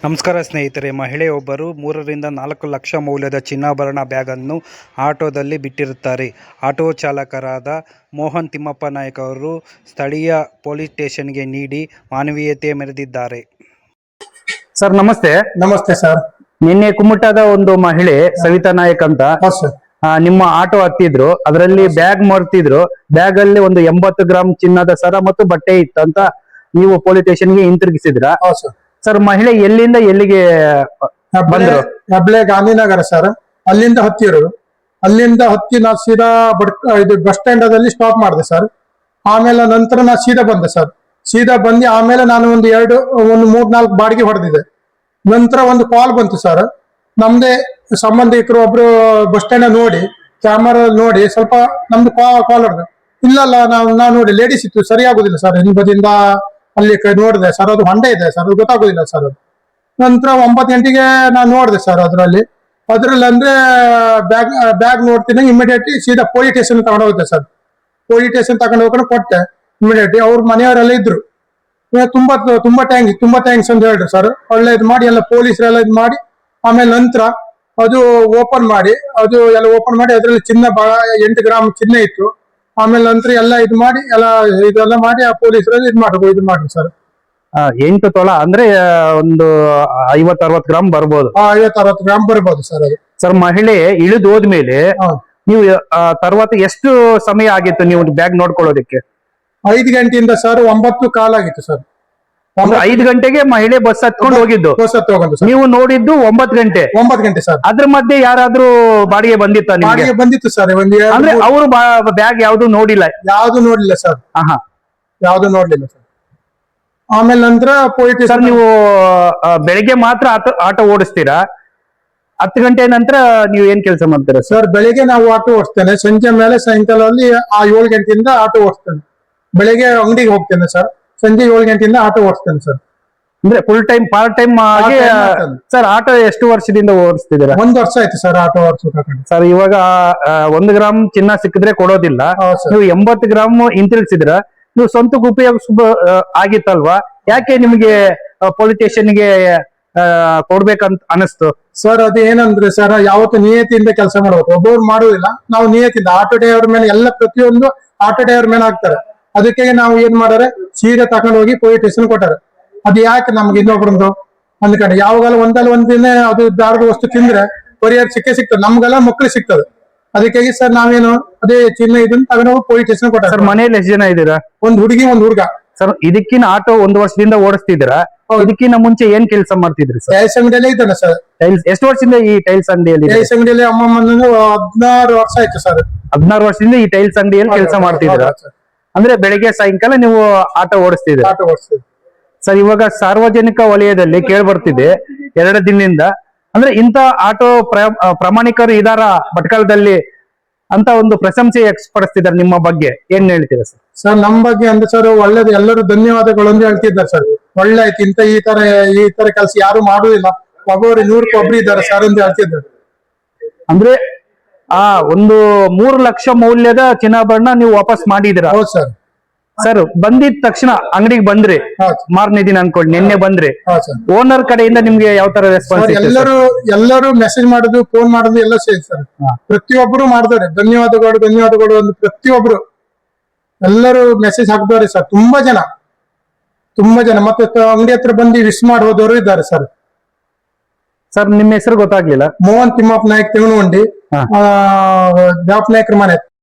ನಮಸ್ಕಾರ ಸ್ನೇಹಿತರೆ, ಮಹಿಳೆಯೊಬ್ಬರು 3 ರಿಂದ 4 ಲಕ್ಷ ಮೌಲ್ಯದ ಚಿನ್ನಾಭರಣ ಬ್ಯಾಗನ್ನು ಆಟೋದಲ್ಲಿ ಬಿಟ್ಟಿರುತ್ತಾರೆ. ಆಟೋ ಚಾಲಕರಾದ ಮೋಹನ್ ತಿಮ್ಮಪ್ಪ ನಾಯ್ಕ ಅವರು ಸ್ಥಳೀಯ ಪೊಲೀಸ್ ಸ್ಟೇಷನ್ಗೆ ನೀಡಿ ಮಾನವೀಯತೆ ಮೆರೆದಿದ್ದಾರೆ. ಸರ್ ನಮಸ್ತೆ. ನಮಸ್ತೆ ಸರ್. ನಿನ್ನೆ ಕುಮಟಾದ ಒಂದು ಮಹಿಳೆ ಸವಿತಾ ನಾಯಕ್ ಅಂತ ನಿಮ್ಮ ಆಟೋ ಹತ್ತಿದ್ರು. ಅದರಲ್ಲಿ ಬ್ಯಾಗ್ ಮರ್ತಿದ್ರು. ಬ್ಯಾಗ್ ಅಲ್ಲಿ ಒಂದು 80 ಗ್ರಾಂ ಚಿನ್ನದ ಸರ ಮತ್ತು ಬಟ್ಟೆ ಇತ್ತಂತ ನೀವು ಪೊಲೀಸ್ ಸ್ಟೇಷನ್ಗೆ ಹಿಂತಿರುಗಿಸಿದ್ರ. ಸರ್ ಮಹಿಳೆ ಎಲ್ಲಿಂದ ಎಲ್ಲಿಗೆ ಬಂದ್ರು? ಹೆಬ್ಳೆ ಗಾಂಧಿನಗರ ಸರ್. ಅಲ್ಲಿಂದ ಹತ್ತಿರು. ಅಲ್ಲಿಂದ ಹತ್ತಿ ನಾ ಸೀದಾ ಇದು ಬಸ್ ಸ್ಟ್ಯಾಂಡ್ ಅಲ್ಲಿ ಸ್ಟಾಪ್ ಮಾಡಿದೆ ಸರ್. ಆಮೇಲೆ ನಂತರ ನಾ ಸೀದಾ ಬಂದೆ ಸರ್. ಸೀದಾ ಬಂದು ಆಮೇಲೆ ನಾನು ಒಂದು 3-4 ಬಾಡಿಗೆ ಹೊಡೆದಿದೆ. ನಂತರ ಒಂದು ಕಾಲ್ ಬಂತು ಸರ್. ನಮ್ದೇ ಸಂಬಂಧಿಕರು ಒಬ್ರು ಬಸ್ ಸ್ಟ್ಯಾಂಡ್ ನೋಡಿ ಕ್ಯಾಮರಾ ನೋಡಿ ಸ್ವಲ್ಪ ನಮ್ದು ಕಾಲ್ ಹೊಡೆದು, ಇಲ್ಲಲ್ಲ ನಾ ನೋಡಿ ಲೇಡೀಸ್ ಇತ್ತು, ಸರಿಯಾಗುದಿಲ್ಲ ಸರ್, ಹಿಂಬದಿಯಿಂದ ಅಲ್ಲಿ ನೋಡಿದೆ ಸರ್, ಅದು ಹೊಂಡೆ ಇದೆ ಸರ್, ಅದು ಗೊತ್ತಾಗುದಿಲ್ಲ ಸರ್. ಅದು ನಂತರ 9 ಗಂಟೆಗೆ ನಾನು ನೋಡಿದೆ ಸರ್. ಅದ್ರಲ್ಲಿ ಅಂದ್ರೆ ಬ್ಯಾಗ್ ನೋಡ್ತೀನಿ, ಇಮಿಡಿಯೇಟ್ಲಿ ಸೀದಾ ಪೊಲೀಸ್ ಸ್ಟೇಷನ್ ತಗೊಂಡು ಹೋಗುತ್ತೆ ಸರ್. ಪೊಲೀಸ್ ಸ್ಟೇಷನ್ ತಗೊಂಡು ಹೋಗೋಣ ಕೊಟ್ಟೆ. ಇಮಿಡಿಯೇಟ್ಲಿ ಅವ್ರ ಮನೆಯವರೆಲ್ಲ ಇದ್ರು. ತುಂಬಾ ಥ್ಯಾಂಕ್ಸ್ ಅಂತ ಹೇಳಿದ್ರು ಸರ್. ಒಳ್ಳೆ ಇದು ಮಾಡಿ ಎಲ್ಲ ಪೊಲೀಸರೆಲ್ಲ ಇದು ಮಾಡಿ ಆಮೇಲೆ ನಂತರ ಅದು ಓಪನ್ ಮಾಡಿ ಅದರಲ್ಲಿ ಚಿನ್ನ 8 ಗ್ರಾಮ್ ಚಿನ್ನ ಇತ್ತು. ಆಮೇಲೆ ನಂತರ ಎಲ್ಲ ಇದು ಮಾಡಿ ಇದೆಲ್ಲ ಮಾಡಿ ಆ ಪೊಲೀಸರಲ್ಲಿ ಇದು ಮಾಡ್ರಿ ಸರ್. 8 ತೊಲ ಅಂದ್ರೆ ಒಂದು 50-60 ಗ್ರಾಮ್ ಬರ್ಬೋದು. 50-60 ಗ್ರಾಮ್ ಬರ್ಬೋದು ಸರ್. ಅದು ಸರ್ ಮಹಿಳೆ ಇಳಿದು ಹೋದ್ಮೇಲೆ ನೀವು తర్వాత ಎಷ್ಟು ಸಮಯ ಆಗಿತ್ತು ನೀವು ಬ್ಯಾಗ್ ನೋಡ್ಕೊಳ್ಳೋದಕ್ಕೆ? 5 ಗಂಟೆಯಿಂದ ಸರ್ 9 ಕಾಲ್ ಆಗಿತ್ತು ಸರ್. 5 ಗಂಟೆಗೆ ಮಹಿಳೆ ಬಸ್ ಹತ್ಕೊಂಡು ಹೋಗಿದ್ದು. ನೀವು ನೋಡಿದ್ದು 9 ಗಂಟೆ. 9 ಗಂಟೆ ಸರ್. ಅದ್ರ ಮಧ್ಯೆ ಯಾರಾದ್ರೂ ಬಾಡಿಗೆ ಬಂದಿತ್ತ? ಬಾಡಿಗೆ ಬಂದಿತ್ತು ಸರ್. ಅಂದ್ರೆ ಅವರು ಬ್ಯಾಗ್ ಯಾವ್ದು ನೋಡಿಲ್ಲ? ಯಾವ್ದು ನೋಡ್ಲಿಲ್ಲ ಸರ್. ಯಾವ್ದು ನೋಡ್ಲಿಲ್ಲ ಸರ್. ಆಮೇಲೆ ನಂತರ ಪೊಲೀಸ್ ಸರ್ ನೀವು ಬೆಳಿಗ್ಗೆ ಮಾತ್ರ ಆಟೋ ಓಡಿಸ್ತೀರಾ? 10 ಗಂಟೆ ನಂತರ ನೀವು ಏನ್ ಕೆಲಸ ಮಾಡ್ತೀರಾ ಸರ್? ಬೆಳಿಗ್ಗೆ ನಾವು ಆಟೋ ಓಡಿಸ್ತೇನೆ. ಸಂಜೆ ಮೇಲೆ ಸಾಯಂಕಾಲದಲ್ಲಿ 7 ಗಂಟೆಯಿಂದ ಆಟೋ ಓಡಿಸ್ತೇನೆ. ಬೆಳಿಗ್ಗೆ ಅಂಗಡಿಗೆ ಹೋಗ್ತೇನೆ ಸರ್. ಸಂಜೆ 7 ಗಂಟೆಯಿಂದ ಆಟೋ ಓಡಿಸ್ತೇನೆ ಸರ್. ಅಂದ್ರೆ ಫುಲ್ ಟೈಮ್ ಪಾರ್ಟ್ ಟೈಮ್ ಆಗಿ. ಸರ್ ಆಟೋ ಎಷ್ಟು ವರ್ಷದಿಂದ ಓಡಿಸ್ತಿದ್ದೀರಾ? 1 ವರ್ಷ ಆಯ್ತು ಸರ್ ಆಟೋ ಓಡಿಸ್ಬೇಕು. ಸರ್ ಇವಾಗ 1 ಗ್ರಾಮ್ ಚಿನ್ನ ಸಿಕ್ಕಿದ್ರೆ ಕೊಡೋದಿಲ್ಲ. ನೀವು 80 ಗ್ರಾಮ್ ಹಿಂತಿರುಗಿಸಿದ್ರ. ನೀವು ಸ್ವಂತಕ್ಕೆ ಉಪಯೋಗ ಆಗಿತ್ತಲ್ವಾ? ಯಾಕೆ ನಿಮ್ಗೆ ಪೊಲೀಸ್ ಸ್ಟೇಷನ್ಗೆ ಕೊಡ್ಬೇಕಂತ ಅನಿಸ್ತು ಸರ್? ಅದು ಏನಂದ್ರೆ ಸರ್, ಯಾವತ್ತು ನಿಯತಿಯಿಂದ ಕೆಲಸ ಮಾಡ್ಬೇಕು. ಒಬ್ಬರು ಮಾಡುದಿಲ್ಲ, ನಾವು ನಿಯತಿಯಿಂದ. ಆಟೋ ಡ್ರೈವರ್ ಮೇಲೆ ಎಲ್ಲ ಪ್ರತಿಯೊಂದು ಆಟೋ ಡ್ರೈವರ್ ಮೇಲೆ ಹಾಕ್ತಾರೆ. ಅದಕ್ಕೆ ನಾವು ಏನ್ ಮಾಡಾರೆ, ಸೀರೆ ತಗೊಂಡು ಹೋಗಿ ಪೊಲೀಸ್ ಸ್ಟೇಷನ್ ಕೊಟ್ಟಾರೆ. ಅದು ಯಾಕೆ ನಮ್ಗೆ ಇನ್ನೊಬ್ರದ್ದು ಅಂದ್ಕೊಂಡು ಯಾವಾಗಲ್ಲ ಒಂದಿನ ಅದು ದಾರದ ವಸ್ತು ತಿಂದ್ರೆ ಪರಿಹಾರ ಸಿಗ್ತದೆ. ನಮ್ಗೆಲ್ಲ ಮಕ್ಳು ಸಿಗ್ತದೆ. ಅದಕ್ಕಾಗಿ ಸರ್ ನಾವೇನು ಅದೇ ಚಿನ್ನ ಇದನ್ನ ತಗೊಂಡು ಹೋಗಿ ಪೊಲೀಸ್ ಸ್ಟೇಷನ್ ಕೊಟ್ಟಾರೆ. ಸರ್ ಮನೇಲಿ ಎಷ್ಟು ಜನ ಇದ್ದೀರಾ? ಒಂದು ಹುಡುಗಿ, ಒಂದು ಹುಡುಗ. ಸರ್ ಇದಕ್ಕಿನ ಆಟೋ 1 ವರ್ಷದಿಂದ ಓಡಿಸ್ತಿದ್ದೀರಾ? ಇದಕ್ಕಿಂತ ಮುಂಚೆ ಏನ್ ಕೆಲಸ ಮಾಡ್ತಿದ್ರಿ ಸರ್? ಟೈಲ್ಸ್ ಅಂಗಡಿಯಲ್ಲೇ ಇದ್ದಾನೆ ಸರ್. ಎಷ್ಟು ವರ್ಷದಿಂದ ಈ ಟೈಲ್ಸ್ ಅಂಗಡಿಯಲ್ಲಿ? ಟೈಲ್ಸ್ ಅಂಗಡಿಯಲ್ಲಿ ಅಮ್ಮಮ್ಮ 16 ವರ್ಷ ಆಯ್ತು ಸರ್. 16 ವರ್ಷದಿಂದ ಈ ಟೈಲ್ಸ್ ಅಂಗಡಿಯಲ್ಲಿ ಕೆಲಸ ಮಾಡ್ತಿದ್ದೀರಾ? ಅಂದ್ರೆ ಬೆಳಿಗ್ಗೆ ಸಾಯಂಕಾಲ ನೀವು ಆಟೋ ಓಡಿಸ್ತಿದ್ದೀರಾ? ಆಟೋ ಓಡಿಸ್ತಿದ್ದೀವಿ ಸರ್. ಇವಾಗ ಸಾರ್ವಜನಿಕ ವಲಯದಲ್ಲಿ ಕೇಳಿ ಬರ್ತಿದೆ 2 ದಿನದಿಂದ, ಅಂದ್ರೆ ಇಂತ ಆಟೋ ಪ್ರಾಮಾಣಿಕರು ಇದಾರ ಭಟ್ಕಳದಲ್ಲಿ ಅಂತ ಒಂದು ಪ್ರಶಂಸೆ ವ್ಯಕ್ತಪಡಿಸ್ತಿದ್ದಾರೆ. ನಿಮ್ಮ ಬಗ್ಗೆ ಏನ್ ಹೇಳ್ತೀರಾ ಸರ್? ಸರ್ ನಮ್ಮ ಬಗ್ಗೆ ಅಂದ್ರೆ ಸರ್ ಒಳ್ಳೇದು, ಎಲ್ಲರೂ ಧನ್ಯವಾದಗಳು ಅಂತ ಹೇಳ್ತಿದ್ದಾರೆ ಸರ್. ಒಳ್ಳೆ ಆಯ್ತು. ಈ ತರ ಕೆಲಸ ಯಾರು ಮಾಡುದಿಲ್ಲ. ಒಬ್ಬರು 100ಕ್ಕೆ ಒಬ್ರು ಇದ್ದಾರೆ ಸರ್ ಅಂತ ಹೇಳ್ತಿದ್ದಾರೆ. ಅಂದ್ರೆ ಒಂದು 3 ಲಕ್ಷ ಮೌಲ್ಯದ ಚಿನ್ನಾಭರಣ ನೀವು ವಾಪಸ್ ಮಾಡಿದಿರ? ಹೌದು ಸರ್. ಸರ್ ಬಂದಿದ ತಕ್ಷಣ ಅಂಗಡಿಗೆ ಬಂದ್ರಿ, ಮಾರನೇ ದಿನ ಅನ್ಕೊಳ್ಳಿ, ನಿನ್ನೆ ಬಂದ್ರಿ. ಓನರ್ ಕಡೆಯಿಂದ ನಿಮ್ಗೆ ಯಾವ ತರ ರೆಸ್ಪಾನ್ಸ್? ಎಲ್ಲರೂ ಮೆಸೇಜ್ ಮಾಡುದು, ಫೋನ್ ಮಾಡುದು ಎಲ್ಲ ಸೇರಿ ಸರ್. ಪ್ರತಿಯೊಬ್ಬರು ಮಾಡಿದವ್ರೆ. ಧನ್ಯವಾದಗಳು ಒಂದು ಪ್ರತಿಯೊಬ್ರು ಎಲ್ಲರೂ ಮೆಸೇಜ್ ಹಾಕ್ದವ್ರೆ ಸರ್. ತುಂಬಾ ಜನ ಮತ್ತೆ ಅಂಗಡಿ ಹತ್ರ ಬಂದು ವಿಶ್ ಮಾಡಿ ಹೋದವರು ಇದ್ದಾರೆ ಸರ್. ಸರ್ ನಿಮ್ಮ ಹೆಸರು ಗೊತ್ತಾಗ್ಲಿಲ್ಲ? ಮೋಹನ್ ತಿಮ್ಮಪ್ಪ ನಾಯ್ಕ, ತಿಂಗನಗುಂಡಿ, ದಾಪ್ ನಾಯ್ಕರ ಮನೆ.